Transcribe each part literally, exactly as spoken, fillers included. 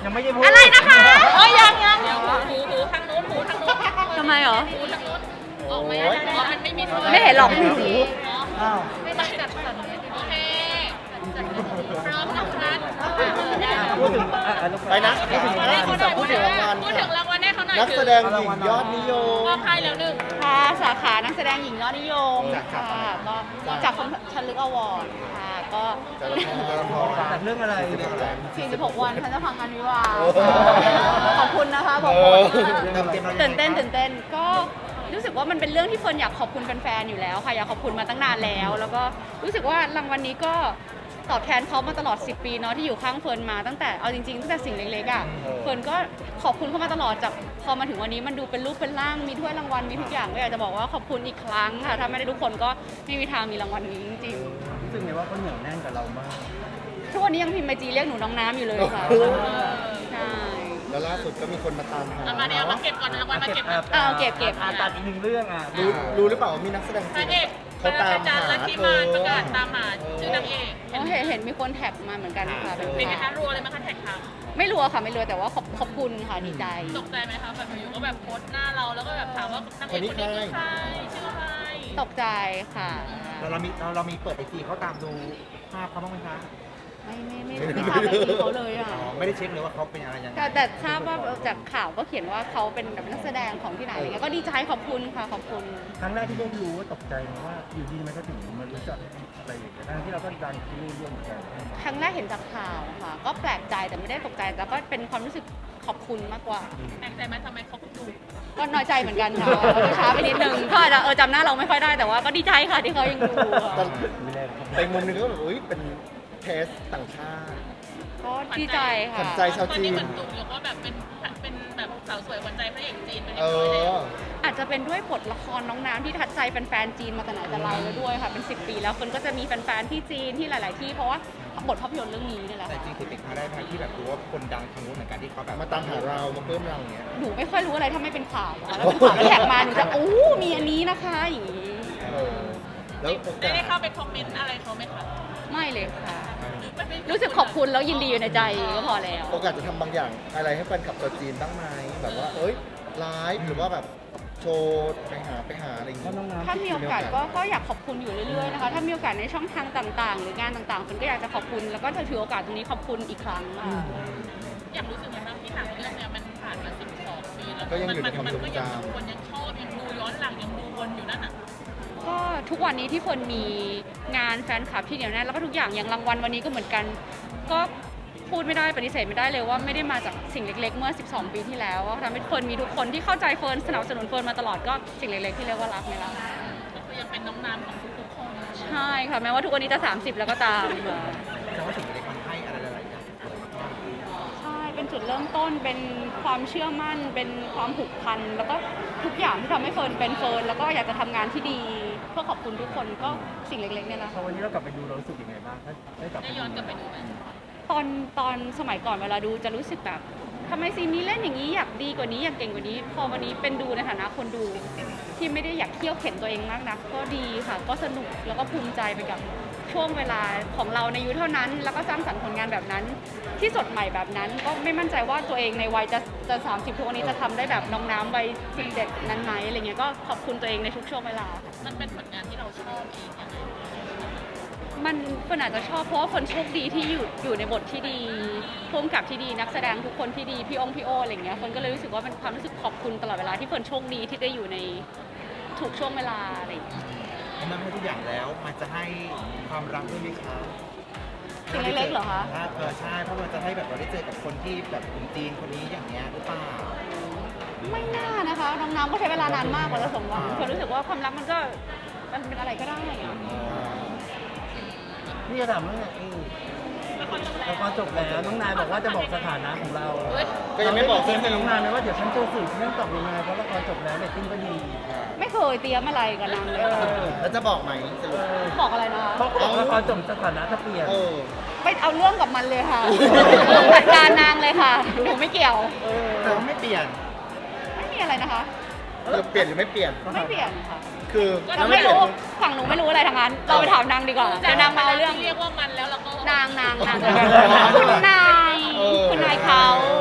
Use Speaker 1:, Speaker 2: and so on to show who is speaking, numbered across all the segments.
Speaker 1: ยังไม่ได้พูด
Speaker 2: อะไรนะคะ
Speaker 3: เอ้ยยังยังหูหูทางนู้นหูทางนู้น
Speaker 2: ทำไมเหรอ
Speaker 3: หูทางนู้นออกไหมอ๋อมันไม่มีส่วน
Speaker 2: ไม่เห็นหรอก
Speaker 1: อ้าว
Speaker 3: ไม่ได้จัดสรรโอเคพร้อมนะคะ
Speaker 1: พูดถึงอ่ะอ่ะ
Speaker 4: ไปนะ
Speaker 1: พูดถึง
Speaker 3: พู
Speaker 1: งาน
Speaker 3: ดถึง
Speaker 4: พูดถึงรางวัล
Speaker 3: พูดถึงรางวัลให้เขาหน่อย
Speaker 4: นักแสดงหญิงยอดนิยม
Speaker 3: มอบให้แล้วหนึ่ง
Speaker 2: ค่ะสาขานักแสดงหญิงยอดนิยม
Speaker 4: จาก
Speaker 2: ค่ะก็จากคมชันลึกอวอร์ดค่ะก็
Speaker 4: แต่ละคนแต่ละคน
Speaker 1: แต่เรื่องอะไร
Speaker 2: สี่สิบหกวันฉันจะพังงานวิวาห์
Speaker 4: โอ้โห
Speaker 2: ขอบคุณนะคะบอก
Speaker 4: เอ
Speaker 2: หม
Speaker 4: อ
Speaker 2: ดตื่นเต้นตื่นเต้นก็รู้สึกว่ามันเป็นเรื่องที่เฟิร์นอยากขอบคุณแฟนๆอยู่แล้วค่ะอยากขอบคุณมาตั้งนานแล้ว แล้วก็รู้สึกว่ารางวัลนี้ก็ตอบแทนเขามาตลอดสิบปีเนาะที่อยู่ข้างเฟิร์นมาตั้งแต่เอาจริงๆตั้งแต่สิ่งเล็กๆอ่ะเฟิร์นก็ขอบคุณเขามาตลอดจากพอมาถึงวันนี้มันดูเป็นรูปเป็นร่างมีถ้วยรางวัลมีทุกอย่างก็อยากจะบอกว่าขอบคุณอีกครั้งค่ะถ้าไม่ได้ทุกคนก็ไม่มีทางมีรางวัลนี้จริง
Speaker 1: รู้สึกไงว่าเขาเหนียวแน่นกับเรามาก
Speaker 2: ๆทุกวันนี้ยังพิมพ์ไอจีเรียกหนูน้องน้ำอยู่เลยค่ะใช่
Speaker 4: แล้วล่าสุดก็มีคนมาตามหา
Speaker 3: เอามาเดี๋ยวมาเก็บก่อนรางวัลมาเก็บ
Speaker 1: อ่ะ
Speaker 2: เอาเก็บเก็บ
Speaker 1: อ่ะตัดอีกหนึ่งเรื่องอ่ะ
Speaker 4: รู้รู้หรือเปล่าว่ามีนักแสดง
Speaker 3: พ
Speaker 4: จี
Speaker 3: ระ
Speaker 4: น
Speaker 3: เอก
Speaker 4: เขาตามหา
Speaker 3: และที่
Speaker 4: เธ
Speaker 3: มา
Speaker 4: อ
Speaker 3: ประกาศตามหาชื่อนางเอก
Speaker 2: เห็นเห็นมีคนแท็กมาเหมือนกันค่ะเป็น
Speaker 3: เป็นไง
Speaker 2: ข่า
Speaker 3: คะ
Speaker 2: ว
Speaker 3: รัวเลยมั้งคะแท็กค่ะ
Speaker 2: ไม่รัวค่ะไม่รัวแต่ว่าขอบขอบคุณค่ะดีใจ
Speaker 3: ตกใจไหมคะแบบอยู่ก็แบบโพสหน้าเราแล้วก็แบบถามว่านางเอกคนนี้คือใครชื่ออะไร
Speaker 2: ตกใจค่ะ
Speaker 1: เราเรามีเราเรามีเปิดไอจีเขาตามดูภาพเขาบ้างไหมคะ
Speaker 2: ไม่ไม่ไม่ไม่ทราบไอจีเขาเลยอ่ะ
Speaker 1: อ๋อไม่ได้เช็คเลยว่าเขาเป็นอะไรยังไง
Speaker 2: แต่แต่ทราบว่าจากข่าวก็เขียนว่าเขาเป็นแบบนักแสดงของที่ไหนอะไรเงี้ยก็ดีใจขอบคุณค่ะขอบคุณ
Speaker 1: ครั้งแรกที่ได้รู้ว่าตกใจไหมว่าอยู่ดีมันก็ถึงมันรู้จักอะไรอย่างเงี้ยทั้งที่เราก็ดังที่นี่ด้วยเหมือนกัน
Speaker 2: ครั้งแรกเห็นจากข่าวค่ะ ก็แปลกใจแต่ไม่ได้ตกใจแต่ก็เป็นความรู้สึกขอบคุณมากกว่า
Speaker 3: แปลกใจไหมทำไมเขาเพิ่งดู
Speaker 2: ก็น้อยใจเหมือนกันค่ะก็ช้าไปนิดนึงเขาอาจจะเออจำหน้าเราไม่ค่อยได้แต่ว่าก็ดีใจค่ะที่เขายังดูอะ
Speaker 4: ตอน
Speaker 1: ไม่ได้
Speaker 4: แต่มุมหนึงก็แบบอุ้ยเป็นเทสต่างชาติ
Speaker 2: ก็ดีใจ
Speaker 4: ขวั
Speaker 2: ค่ะ
Speaker 4: ญใจชาว
Speaker 3: ตอน
Speaker 4: จี
Speaker 3: นี้
Speaker 4: น
Speaker 3: เหมือนตุกแล้วก็แบบเป็นเป็นแบบสาวสวยหวานใจพระเอกจีนไปเรี
Speaker 4: เอย
Speaker 3: บร้อยแล้ว
Speaker 4: อ
Speaker 2: อาจจะเป็นด้วยบทละครน้องน้ำที่ทัดใจแฟนๆจีนมาแต่ไหนแต่ไรแล้วด้วยค่ะเป็นสิบปีแล้วคนก็จะมีแฟนๆที่จีนที่หลาย ๆ ที่เพราะว่าบทภาพยนตร์เรื่องนี้นี่แหละ
Speaker 5: แต่จริงๆคือเป็นครั้งแรกไหมที่แบบรู้ว่าคนดังทางนู้นเหมือนกันที่เขาแบบ
Speaker 4: มาตามหาเรามาเพิ่มเราอย่างเงี้ย
Speaker 2: หนูไม่ค่อยรู้อะไรถ้าไม่เป็นข่าวอะแล้วเป็นข่าวที่แท็กมาหนูจะอู้มีอันนี้นะคะอย่างนี้
Speaker 4: เออแล้วโอ
Speaker 3: ได้
Speaker 4: กา
Speaker 3: ได้
Speaker 4: ส
Speaker 3: เข้าไปคอมเมนต์อะไรเขาไหมคะ
Speaker 2: ไม่เลยค่ะ
Speaker 3: ไม่ไม่
Speaker 2: รู้สึกขอบคุณแล้วยินดีอยู่ในใจก็พอแล้ว
Speaker 4: โอกาสจะทำบางอย่างอะไรให้แฟนคลับชาวจีนบ้างไหมแบบว่า เอ้ยไลฟ์หรือว่าแบบโชว์ไปหาไปหาอะไรอย่าง
Speaker 1: เพราะ
Speaker 4: เงี้ย
Speaker 1: น้องน้ำ
Speaker 2: ถ้ามีโอกาสก็ก็อยากขอบคุณอยู่เรื่อยๆนะคะ ถ้ามีโอกาสในช่องทางต่างๆ หรืองานต่างๆคนก็อยากจะขอบคุณ แล้วก็จะถือโอกาสตรงนี้ขอบคุณอีกครั้งค่ะ
Speaker 3: อยากรู้สึกไงบ้างที่หนังเรื่องเนี้ยมันผ่านมาสิบสองปีแล้ว
Speaker 4: ก็ยังอยู่ใน
Speaker 3: มั
Speaker 4: ความ
Speaker 3: มั
Speaker 4: ทรง
Speaker 3: ก็
Speaker 4: จ
Speaker 3: ยังคนยังชอบยังดูย้อนหลังยังดูวนอยู่นั่นน่ะ
Speaker 2: ก็ทุกวันนี้ที่คนมีงานแฟนคลับที่เหนียวแน่นแล้วก็ทุกอย่างอย่างรางวัลวันนี้ก็เหมือนกัน ก็พูดไม่ได้ปฏิเสธไม่ได้เลยว่าไม่ได้มาจากสิ่งเล็กๆ เมื่อสิบสองปีที่แล้วทำให้เฟิร์นมีทุกคนที่เข้าใจเฟิร์นสนับสนุนเฟิร์นมาตลอดก็สิ่งเล็กๆที่เรียกว่ารักนี่แหละ
Speaker 3: ก็คือยังเป็นน้องน้ำของทุกๆคน
Speaker 2: ใช่ค่ะแม้ว่าทุกวันนี้จะสามสิบแล้วก็ตามค่ะ
Speaker 5: แต่ว่าสิ่งเล็กมันให้อะไรหลายๆอย่าง
Speaker 2: ใช่เป็นจุดเริ่มต้นเป็นความเชื่อมั่น เป็นความผูกพันแล้วก็ทุกอย่างที่ทำให้เฟิร์นเป็นเฟิร์นแล้วก็อยากจะทำงานที่ดี เพื่อขอบคุณทุกคนก็สิ่งเล็กๆเนี่ยแหละ
Speaker 1: พอวันนี้เรากลับไปดูเรารู้สึกยังไงบ้างถ้าได้กลับไป
Speaker 3: ได้ย้อนกลับไปดูไหม
Speaker 2: ตอนตอนสมัยก่อนเวลาดูจะรู้สึกแบบทำไมซีนนี้เล่นอย่างนี้อยากดีกว่านี้อยากเก่งกว่านี้ พอวันนี้เป็นดูในฐานะคนดูที่ไม่ได้อยากเที่ยวเข็นตัวเองมากนักก็ดีค่ะ ก็สนุกแล้วก็ภูมิใจไปกับช่วงเวลาของเราในอายุเท่านั้น แล้วก็สร้างสรรค์ผลงานแบบนั้น ที่สดใหม่แบบนั้น ก็ไม่มั่นใจว่าตัวเองในวัยจะจะสามสิบทุกวันนี้จะทำได้แบบน้องน้ำวัยสิบเจ็ดนั้นไหมอะไรเงี้ยก็ขอบคุณตัวเองในทุกช่วงเวลา
Speaker 3: มันเป็นผลงานที่เราชอบเองยังไง
Speaker 2: มันคนอาจจะชอบเพราะว่าคนโชคดีที่อยู่อยู่ในบทที่ดีร่วมกับที่ดีนักแสดงทุกคนที่ดีพี่องค์พี่โออะไรอย่างเงี้ยคนก็เลยรู้สึกว่าเป็นความรู้สึกขอบคุณตลอดเวลาที่คนโชคดีที่ได้อยู่ในทุกช่วงเวลาอะไรอย่างเงี้ย
Speaker 5: เพราะมันให้ทุกอย่างแล้ว มันจะให้ความรักด้วยไหมคะ
Speaker 2: สิ่งเล็กๆเหรอคะ
Speaker 5: เออใช่ เพราะมันจะให้แบบเราได้เจอกับคนที่แบบคนจีนคนนี้อย่างเงี้ยหรือเปล่า
Speaker 2: ไม่น่านะคะน้องน้ำก็ใช้เวลานานมากกว่าจะสมหวังคนรู้สึกว่าความรักมันก็มันเป็นอะไรก็ได้อะ
Speaker 1: พี่จะถามว่าไอ้ละครจบแล้วน้องนายบอกว่าจะบอกสถานะของเรา
Speaker 4: ก็ยังไม่บอก
Speaker 1: เซ็นกับน้องนายไหมว่าเดี๋ยวฉันจะสื่อเรื่องตอบยังไงเพราะละครจบแล้วเรตติ้งก็ดี
Speaker 2: ไม่เคยเตรียมอะไรกับนางเลยค่ะ
Speaker 4: แล้วจะบอกไหมสรุป
Speaker 2: บอกอะไรนะคะ
Speaker 1: เพราะบอกละครจบสถานะจะเปลี่ยน
Speaker 4: เออ
Speaker 2: ไปเอาเรื่องกับมันเลยค่ะจัดการนางเลยค่ะหนูไม่เกี่ยว
Speaker 5: แต่ว่าไม่เปลี่ยน
Speaker 2: ไม่มีอะไรนะคะ
Speaker 4: จะเปลี่ยนหรือไม่เปลี่ยน
Speaker 2: ไม่เปลี่ยนค่ะ
Speaker 4: คือ
Speaker 2: เราไม่รู้ฝั่งหนูไม่รู้อะไรทั้งนั้น เราไปถามนางดีกว่าเดี๋ยวนางมาเอาเรื่อง
Speaker 3: เรียกว่ามันแล้วเราก็
Speaker 2: นางนางนางคุณนาย คุณนายเขา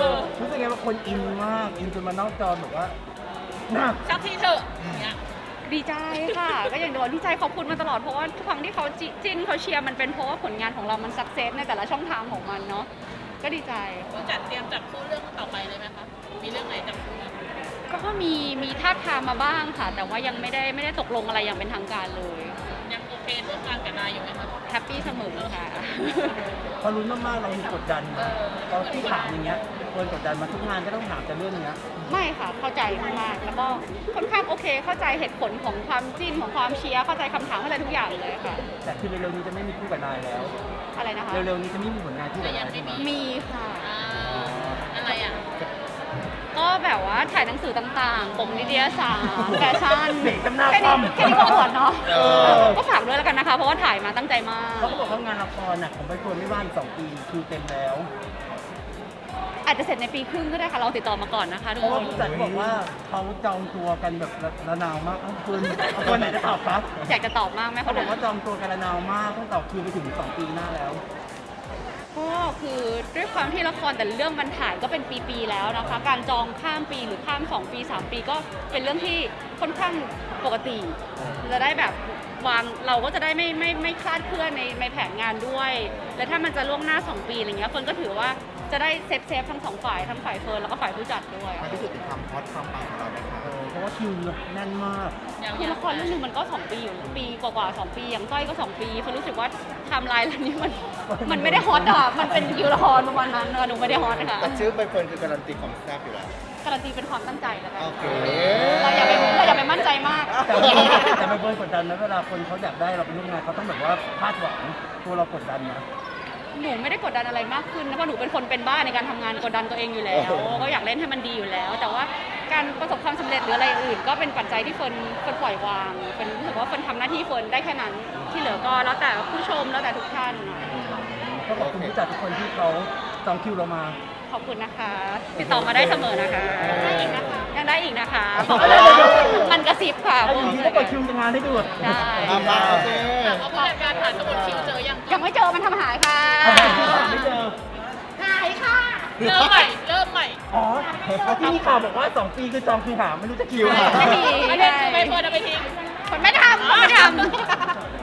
Speaker 1: คนอินมากอินจนมานอกจอแบบว่าน่า
Speaker 3: สักทีเถอะอย่างเงี้ย
Speaker 2: ดีใจค่ะ ก็อย่างโดนดีใจขอบคุณมาตลอดเพราะว่าทุกครั้งที่เขาจิจิ้นเขาเชียร์มันเป็นเพราะว่าผลงานของเรามันสักเซสในแต่ละช่องทางของมันเนาะก็ดีใจ
Speaker 3: ผู้จัดเตรียมจับคู่เรื่องต่อไปเลยไหมคะ มีเรื่องไหนจับคู่ไหม
Speaker 2: ก็มีมีท่าบทามมาบ้างค่ะ แต่ว่ายังไม่ได้ไม่ได้ตกลงอะไรอย่างเป็นทางการเลย
Speaker 3: ยังโอเคร่วมงานกับนายอยู่ไหมคะ
Speaker 2: แฮปปี้เสมอค่ะ
Speaker 1: พอรู้มากๆเรามีกดดันนะตอนที่ถามอย่างเงี้ยเฟิร์นกดดันมาทุกงานก็ต้องถามแต่เรื่องเนี้ย
Speaker 2: ไม่ค่ะเข้าใจมากๆแล้วก็ค่อนข้างโอเค เข้าใจเหตุผลของความจิ้นของความเชียร์เข้าใจคำถามเข้าใจทุกอย่างเลยค่ะ
Speaker 1: แต่คือเร็วๆนี้จะไม่มีคู่กับนายแล้ว
Speaker 2: อะไรนะคะ
Speaker 1: เร็วๆนี้จะไม่มีผลงานคู่กับนายใช่ไหม
Speaker 2: มีค่ะ
Speaker 3: อ่าอะไรอ่ะ
Speaker 2: ก็แบบว่าถ่ายหนังสือต่างๆปกนิตยสารแฟชั่น
Speaker 1: เด็กจำหน้า
Speaker 2: แค่
Speaker 1: คว่
Speaker 2: นี้
Speaker 1: ำ
Speaker 2: แค่นี้ก็อวดเนาะ
Speaker 4: เออ
Speaker 2: ก็ฝากด้วยแล้วกันนะคะ เพราะว่าถ่ายมาตั้งใจมาก
Speaker 1: เขาก็บอกว่างานละครน่ะของใบเฟิร์นไม่ว่างอีกสองปีคิวเต็มแล้ว
Speaker 2: อาจจะเสร็จในปีครึ่งก็ได้ค่ะเราติดต่อมาก่อนนะคะทุ
Speaker 1: เพ
Speaker 2: ก
Speaker 1: ราะ
Speaker 2: ค
Speaker 1: ว่าน ผู้จัดบอกว่าเขาจองตัวกันแบบระนาวมากเอาเฟิร์นเอาเฟิร์นไหนจะตอบครับ
Speaker 2: อยากจะตอบมากไหม
Speaker 1: เขา
Speaker 2: คะ
Speaker 1: บอกว่าจองตัวกันระนาวมากต้องต่อคิวไปถึงสองปีหน้าแล้ว
Speaker 2: ก็คือด้วยความที่ละครแต่ละเรื่องมันถ่ายก็เป็นปีๆแล้วนะคะ การจองข้ามปีหรือข้ามสองปีสามปีก็เป็นเรื่องที่ค่อนข้างปกติจะได้แบบวางเราก็จะได้ไม่ไม่ไม่คลาดเคลื่อนในในแผนงานด้วย และถ้ามันจะล่วงหน้าสองปีอะไรเงี้ยเฟิร์นก็ถือว่าจะได้เซฟเซฟทั้งสองฝ่ายทั้งฝ่ายเฟิร์นแล้วก็ฝ่ายผู้จัดด้วย
Speaker 5: มันพิสูจน์ถึงความฮอตความปังของเราไหมคะ
Speaker 1: เออเพราะว่าคิวแน่นมาก
Speaker 3: ยัง
Speaker 2: คือละครเรื่องหนึงมันก็สองปีอยู่ปีกว่าๆสองปีอย่างก้อยก็สองปีเฟิร์นรู้สึกว่าไทม์ไลน์เรื่องนี้มันมันไม่ได้ฮอตอะมันเป็นคิวละครประมาณนั้นเนอะหนูไม่ได้ฮอตค่ะ
Speaker 4: แต่ชื่อใบเฟิร์นคือการันตีความแซ่บอยู่แล้ว
Speaker 2: การันตีเป็นความตั้งใจแล้วกัน
Speaker 4: โอเค
Speaker 2: เราอย่าไปเราอย่าไปมั่นใจมาก
Speaker 1: แต่แต่ใบเฟิร์นกดดันนะเวลาคนเขาอยากได้เราเป็นลูกงานเขาต้องแบบว่าคาดหวังตัวเรากดดันนะ
Speaker 2: หนูไม่ได้กดดันอะไรมากขึ้นนะเพราะหนูเป็นคนเป็นบ้าในการทำงานกดดันตัวเองอยู่แล้ว ก็อยากเล่นให้มันดีอยู่แล้ว แต่ว่าการประสบความสำเร็จหรืออะไรอื่น ก็เป็นปัจจัยที่เฟิร์นเฟิร์นปล่อยวางเป็นรู้สึกว่าเฟิร์นทำหน้าที่เฟิร์นได้แค่นั้นที่เหลือก็แล้วแต่ผู้ชมแล้วแต่ทุกท่าน
Speaker 1: ก็ขอบคุณผู้จัดทุกคนที่เขาจองคิวเรามา
Speaker 2: ขอบคุณนะคะ ติดต่อมาได้เสมอนะคะได้อีกนะคะยังได้อีกนะคะ
Speaker 1: ได้ได้ได้
Speaker 2: มันกระซิบค่ะ
Speaker 1: ไอ้อย่างนี้ต้องกดคิวจะงานให้ดู
Speaker 2: ได้
Speaker 4: มามาโอเค
Speaker 3: ถามว่าผู้จัดการผ่านสมุดคิวเจอยัง
Speaker 2: ยังไม่เจอมันทำหายค่ะ
Speaker 1: ไม่เจอ
Speaker 2: หายค่ะ
Speaker 3: เริ่มใหม่ เริ่มใหม่
Speaker 1: อ๋อที่มีข่าวบอกว่าสองปีคือจองคิวหาไม่รู้จะคิวหา
Speaker 2: ไม่มี
Speaker 3: ประเด็นคือใบเฟิร์นเอาไปทิ้ง
Speaker 2: คนไม่ทำคนไม่ทำ